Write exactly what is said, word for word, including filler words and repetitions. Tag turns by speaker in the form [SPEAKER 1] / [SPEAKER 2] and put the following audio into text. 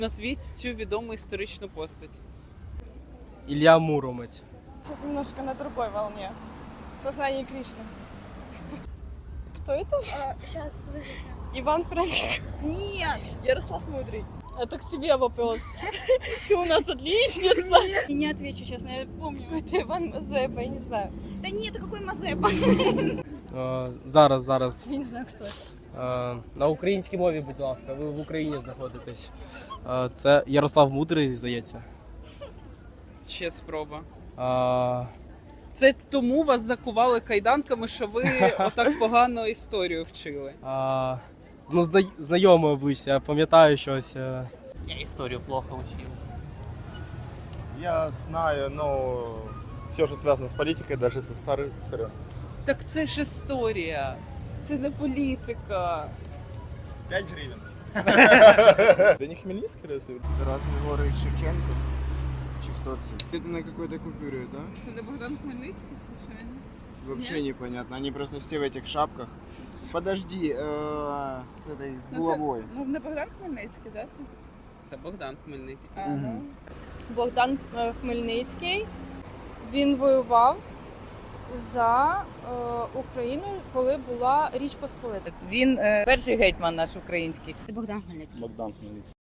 [SPEAKER 1] Назвіть цю відому історичну постать.
[SPEAKER 2] Илья Муромец.
[SPEAKER 3] Сейчас немножко на другой волне. В сознании Кришны. Кто это?
[SPEAKER 4] А, сейчас, подождите.
[SPEAKER 3] Иван Франко.
[SPEAKER 4] Нет!
[SPEAKER 3] Ярослав Мудрый.
[SPEAKER 5] Это к тебе вопрос. Ты у нас отличница.
[SPEAKER 4] Я не отвечу, честно, я помню.
[SPEAKER 3] Это Иван Мазепа, я не знаю.
[SPEAKER 4] Да нет, какой Мазепа?
[SPEAKER 2] Е, Зараз, зараз.
[SPEAKER 4] Я не знаю, кто это.
[SPEAKER 2] Е, На українській мові, будь ласка, ви в Україні знаходитесь. Е, Це Ярослав Мудрий, здається.
[SPEAKER 1] Ще спроба.
[SPEAKER 2] Е,
[SPEAKER 1] Це тому вас закували кайданками, що ви отак погано історію вчили.
[SPEAKER 2] е, Ну, зна- знайоме обличчя, я пам'ятаю щось. е.
[SPEAKER 6] Я историю плохо учил.
[SPEAKER 7] Я знаю, но все, что связано с политикой, даже со старых сырен.
[SPEAKER 1] Так це ж історія. Це не політика.
[SPEAKER 7] пять гривен. Да не Хмельницкий разве?
[SPEAKER 8] Тарас Григорович Шевченко? Чи хто це? Это на какой-то купюре, да?
[SPEAKER 1] Це не Богдан Хмельницький, случайно?
[SPEAKER 8] Вообще непонятно. Они просто все в этих шапках. Подожди, э, с этой, с булавой.
[SPEAKER 3] Ну, не Богдан Хмельницький, да? Це?
[SPEAKER 1] Це Богдан Хмельницький.
[SPEAKER 3] А,
[SPEAKER 8] Мгм.
[SPEAKER 3] ну.
[SPEAKER 5] Богдан е, Хмельницький. Він воював за е, Україну, коли була Річ Посполита.
[SPEAKER 9] Він е, перший гетьман наш український.
[SPEAKER 4] Ты Богдан Хмельницкий.
[SPEAKER 7] Богдан Хмельницкий.